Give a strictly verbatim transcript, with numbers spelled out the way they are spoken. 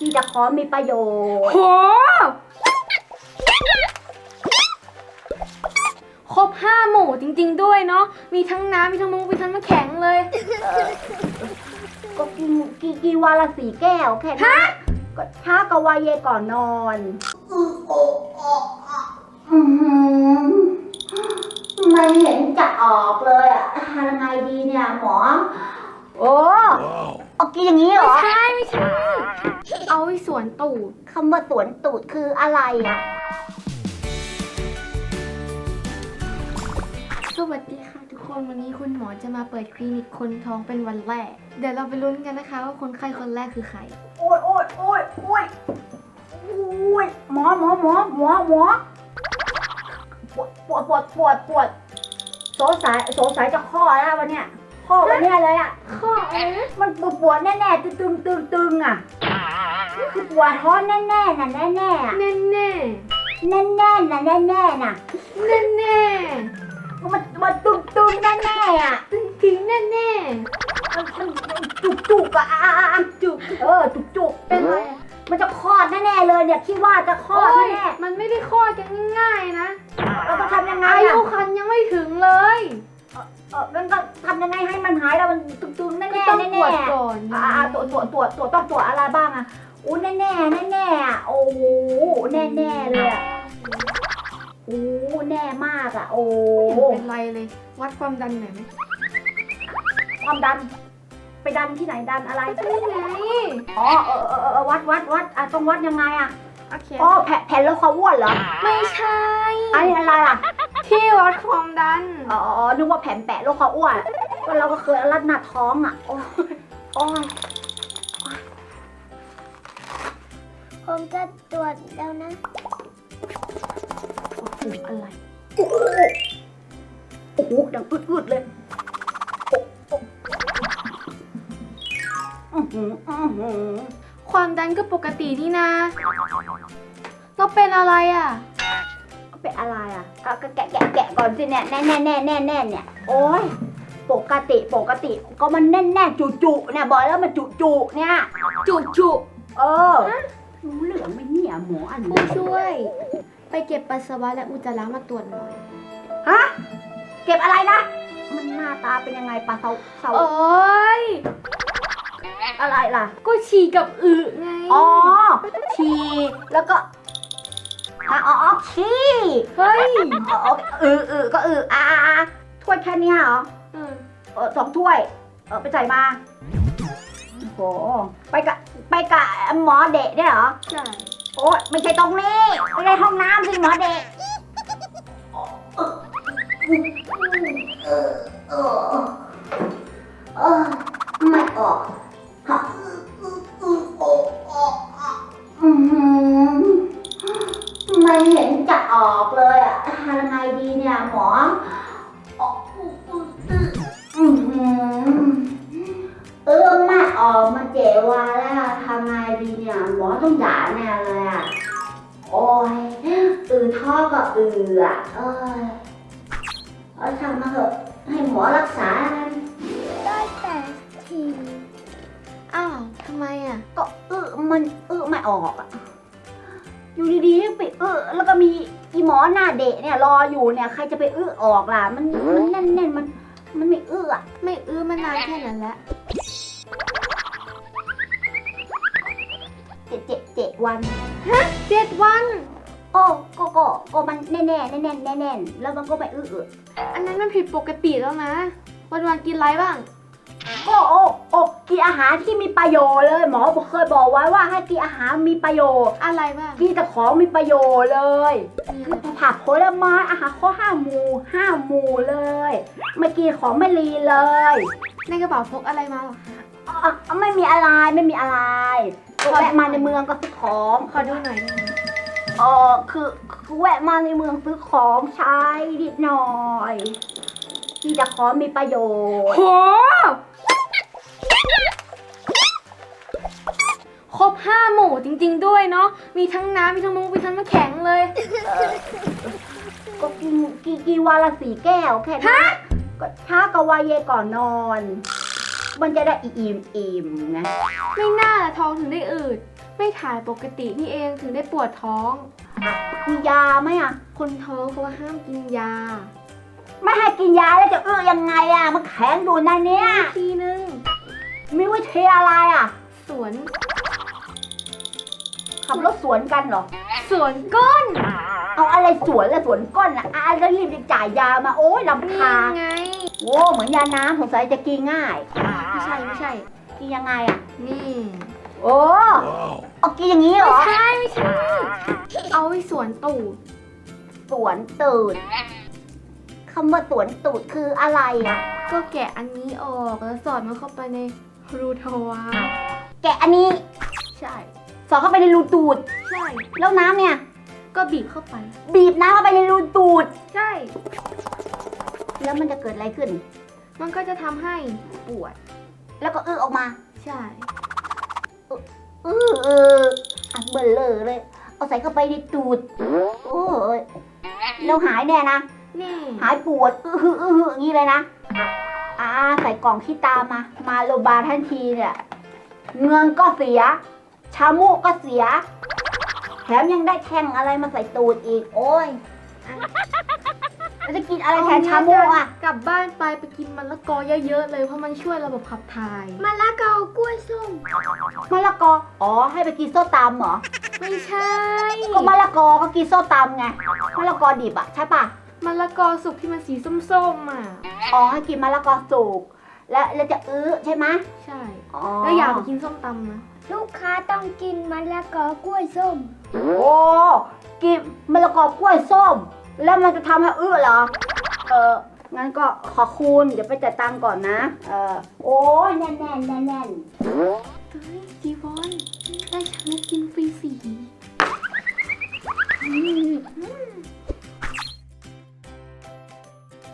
ที่จะขอมีประโยชน์โหครบห้าหมู่จริงๆด้วยเนาะมีทั้งน้ำมีทั้งมุกมีทั้งน้ำแข็งเลยก็กินกินกินวันละสี่แก้วแค่นั้นก็ช้ากับวายเยก่อนนอนไม่เห็นจะออกเลยอะทำยังไงดีเนี่ยหมอโอ้เอากินอย่างนี้เหรอไม่ใช่ไม่ใช่เอาไว้สวนตูดคำว่าสวนตูดคืออะไรอะสวัสดีค่ะทุกคนวันนี้คุณหมอจะมาเปิดคลินิกคนท้องเป็นวันแรกเดี๋ยวเราไปลุ้นกันนะคะว่าคนไข้คนแรกคือใครโอ้ยโอ้ยโอ้ยโอ้ยโอ้ยหมอหมอหมอหมอหมอปวดปวดปวดปวดปวดสงสัยสงสัยจะข้อแล้ววันเนี้ยข้อวันเนี้ยเลยอ่ะข้ออะไรนะมันปวดปวดแน่แน่ตึงตึงตึงตึงอ่ะคือปวดท้องแน่แน่น่ะแน่แน่แน่แน่แน่แน่น่ะแน่แน่น่ะแน่แน่มันมันตึงตึงแน่แน่อ่ะตึงตึงแน่แน่จุกจุกอ่ะจุกเออจุกจุกเป็นไรมันจะคลอดแน่ๆเลยเนี่ยคิดว่าจะคลอดแน่มันไม่ได้คลอดกันง่ายๆนะเราจะทำยังไงอายุครรภ์ยังไม่ถึงเลยเออมันก็ทำยังไงให้มันหายแล้วมันตึงๆแน่ๆแน่ต้องตรวจก่อนอ่าตรวจตรวจตรวจตรวจต้องตรวจอะไรบ้างอ่ะโอ้แน่แน่แน่แน่อ่ะโอ้แน่แน่เลยอ่ะโอ้แน่มากอ่ะโอ้เป็นไรเลยวัดความดันหน่อยไหมความดันไปดันที่ไหนดันอะไรนี่ไงอ๋อเออเออเออวัดวัดวัดอ่ะต้องวัดยังไงอ่ะโอเคอ๋อแผ่นแผ่นแล้วเขาอ้วนเหรอไม่ใช่อันนี้อะไรล่ะที่วัดความดันอ๋อนึกว่าแผ่นแปะแล้วเขาอ้วนก็เราก็เคยรัดหน้าท้องอ่ะโอ้ยโอ้ยผมจะตรวจแล้วนะโอ้โหอะไรโอ้โหโอ้โหดังอึดๆเลยความดันก็ปกตินี่นะเราเป็นอะไรอ่ะเป็นอะไรอ่ะก็แกะแกะแกะก่อนสิเนี่ยแน่แน่แน่แน่แน่เนี่ยโอ้ยปกติปกติก็มันแน่นแน่จุจุเนี่ยบอกแล้วมันจุจุเนี่ยจุจุเออรู้เหลืองไหมเนี่ยหมออันผู้ช่วยไปเก็บปัสสาวะและอุจจาระมาตรวจหน่อยฮะเก็บอะไรนะมันหน้าตาเป็นยังไงปัสสาวะโอ้ยอะไรล่ะก็ฉี่กับอึไงอ๋อฉี่แล้วก็อ๋อฉี่เฮ้ยอ๋ออึอึก็อึอ่าถ้วยแค่นี้เหรอเออเออสองถ้วยเออไปใส่มาโอ้ไปกะไปกะหมอเด็กได้เหรอใช่โอ้ไม่ใช่ตรงนี้ไม่ใช่ห้องน้ำสิหมอเด็กเออเออเออไม่ออกไม่เห็นจะออกเลยอะทำยังไงดีเนี่ยหมอเออไม่ออกมาเจวาแล้วทำไงดีเนี่ยหมอต้องด่าแน่เลยอะโอ้ยอือท่อก็อืออะเอ้ยเอาทำมาเถอะให้หมอรักษาได้แต่ทีอ้าวทำไมอ่ะก็เออมันเออไม่ออกอ่ะอยู่ดีๆไปเออแล้วก็มีอีหมอหน้าเด็กเนี่ยรออยู่เนี่ยใครจะไปเออออกล่ะมันมันแน่นๆมันมันไม่เอออ่ะไม่เออมานานแค่นั้นแหละเจ็ดเจ็ดเจ็ดวันฮะเจ็ดวันโอ้ก็ก็ก็มันแน่แน่แน่แน่แน่แน่แล้วมันก็ไม่เอออันนั้นมันผิดปกติแล้วนะวันวันกินอะไรบ้างโอ้โอ้โอ้กินอาหารที่มีประโยชน์เลยหมอเคยบอกไว้ว่าให้กินอาหารมีประโยชน์อะไรบ้างกินแต่ของมีประโยชน์เลยคือผักผลไม้อาหารข้อห้าหมู่ห้าหมู่เลยไม่กินของไม่ลีเลยในกระเป๋าพกอะไรมาหรออ๋อไม่มีอะไรไม่มีอะไรแวะมาในเมืองก็ซื้อของขอดูหน่อยอ๋อคือแวะมาในเมืองซื้อของใช้นิดหน่อยที่จะขอมีประโยชน์โหครบห้าหมู่จริงๆด้วยเนาะมีทั้งน้ำมีทั้งมุกมีทั้งน้ำแข็งเลยก็กินกินกินวันละสี่แก้วแค่นั้นก็ช้ากับวายเยก่อนนอนมันจะได้อิ่มอิ่มไงไม่น่าท้องถึงได้อืดไม่ถ่ายปกตินี่เองถึงได้ปวดท้องมียาไหมอ่ะคนท้องเขาว่าห้ามกินยาไม่ให้กินยาแล้วจะอื้อยังไงอ่ะ มันแข็งดูนะเนี่ยทีนึงมีวิธีอะไรอ่ะสวนขับรถสวนกันเหรอสวนก้นเอาอะไรสวนแล้วสวนก้นอ่ะอ่ะแล้วรีบไปจ่ายยามาโอ้ยลำนี่คาญไงโอ้เหมือนยาน้ำสงสัยจะกินง่ายไม่ใช่ไม่ใช่กินยังไงอ่ะนี่โอ้เอากินอย่างนี้เหรไม่อใช่ไม่ใช่ เอาไว้สวนตูดสวนตูดคำว่าสวนตูดคืออะไรอ่ะก็แกะอันนี้ออกแล้วสอดมันเข้าไปในรูทวารแกะอันนี้ใช่สอดเข้าไปในรูตูดใช่แล้วน้ำเนี่ยก็บีบเข้าไปบีบน้ำเข้าไปในรูตูดใช่แล้วมันจะเกิดอะไรขึ้นมันก็จะทำให้ปวดแล้วก็อื้อออกมาใช่เออเอออ่ะเบลอเลย เอาใส่เข้าไปในตูด โอ้ยแล้วหายแน่นะนี่หายปวด อื้อหืออื้อหืออย่างนี้เลยนะ อ่า ใส่กล่องขี้ตามา มาโรงพยาบาลทันทีเนี่ย เงินก็เสีย ชามูกก็เสีย แถมยังได้แท่งอะไรมาใส่ตูดอีก โอ้ยแล้วจะกินอะไรแทนชามูกอ่ะกลับบ้านไปไปกินมะละกอเยอะๆเลยเพราะมันช่วยระบบขับถ่ายมะละกอกล้วยส้มมะละกอ อ๋อ ให้ไปกินโซ่ตำเหรอไม่ใช่ก็มะละกอก็กินโซ่ตำไง มะละกอดิบอ่ะใช่ปะมะละกอสุกที่มันสีส้มๆอ่ะอ๋อให้กินมะละกอสุกแล้วแล้วจะอื้อใช่ไหมใช่อ๋อแล้วอย่าไปกินส้มตำนะลูกค้าต้องกินมะละกอกล้วยส้มโอ้กินมะละกอกล้วยส้ม แล้วมันจะทำให้อื้อเหรอ เอองั้นก็ขอคุณเดี๋ยวไปจ่ายตังค์ก่อนนะ เออโอ้ยแน่นแน่นแน่นแน่นเฮ้ยจีวอนได้ฉันกินฟรีสีอืม